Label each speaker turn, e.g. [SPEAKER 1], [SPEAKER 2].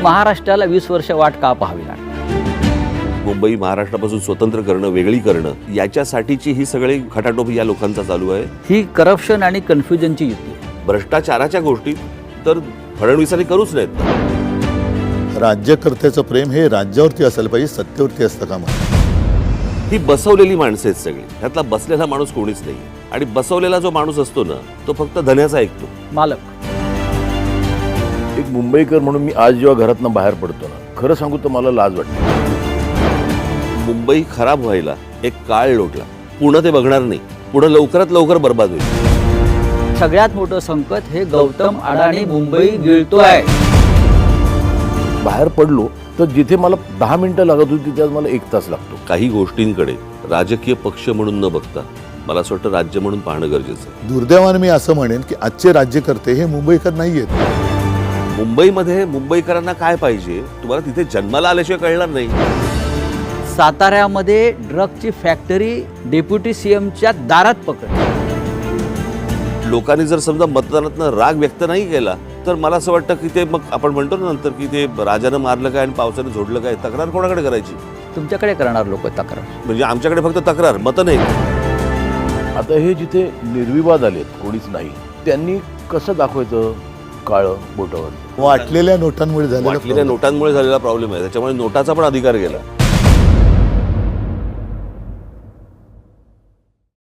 [SPEAKER 1] महाराष्ट्राला 20 वर्ष वाट का पाहावी लागली?
[SPEAKER 2] मुंबई महाराष्ट्रापासून स्वतंत्र करणं, वेगळी करणं, याच्यासाठीची ही सगळी खटाटोप या लोकांचा चालू आहे.
[SPEAKER 1] ही करप्शन आणि कन्फ्युजनची युती आहे.
[SPEAKER 2] भ्रष्टाचाराच्या गोष्टी तर फडणवीसांनी करूच नाहीत.
[SPEAKER 3] राज्यकर्त्याचं प्रेम हे राज्यावरती असायला पाहिजे, सत्तेवरती असतं का मला?
[SPEAKER 2] ही बसवलेली माणसं आहेत सगळी. ह्यातला बसलेला माणूस कोणीच नाही. आणि बसवलेला जो माणूस असतो ना, तो फक्त धन्याचा ऐकतो.
[SPEAKER 1] मालक.
[SPEAKER 4] एक मुंबईकर म्हणून मी आज जेव्हा घरातनं बाहेर पडतो ना, खरं सांगू तर मला लाज वाटते.
[SPEAKER 2] मुंबई खराब व्हायला एक काळ लोटला. पुढं ते बघणार नाही. पुढं लवकरात लवकर बर्बाद होईल.
[SPEAKER 1] सगळ्यात मोठं संकट हे गौतम अडाणी मुंबई गिळतोय.
[SPEAKER 4] बाहेर पडलो तर जिथे मला 10 मिनिटं लागत होती तिथे आज मला 1 तास लागतो.
[SPEAKER 2] काही गोष्टींकडे राजकीय पक्ष म्हणून न बघता मला असं वाटतं राज्य म्हणून पाहणं गरजेचं आहे.
[SPEAKER 3] दुर्दैवाने मी असं म्हणेन की आजचे राज्यकर्ते हे मुंबईकर नाही आहेत.
[SPEAKER 2] मुंबईमध्ये मुंबईकरांना काय पाहिजे तुम्हाला तिथे जन्माला आल्याशिवाय कळणार नाही.
[SPEAKER 1] साताऱ्यामध्ये ड्रगची फॅक्टरी डेप्युटी सीएमच्या दारात पकडली.
[SPEAKER 2] लोकांनी जर समजा मतदानातनं राग व्यक्त नाही केला तर मला असं वाटतं की ते मग आपण म्हणतो ना नंतर की ते राजानं मारलं काय आणि पावसानं झोडलं काय, तक्रार कोणाकडे करायची?
[SPEAKER 1] तुमच्याकडे करणार लोक तक्रार.
[SPEAKER 2] म्हणजे आमच्याकडे फक्त तक्रार, मतं नाही.
[SPEAKER 4] आता हे जिथे निर्विवाद आलेत, कोणीच नाही, त्यांनी कसं दाखवायचं काळं बोटावर?
[SPEAKER 3] वाटलेल्या नोटांमुळे झालेला
[SPEAKER 2] वाटलेल्या नोटांमुळे झालेला प्रॉब्लेम आहे. त्याच्यामुळे नोटाचा पण अधिकार गेला.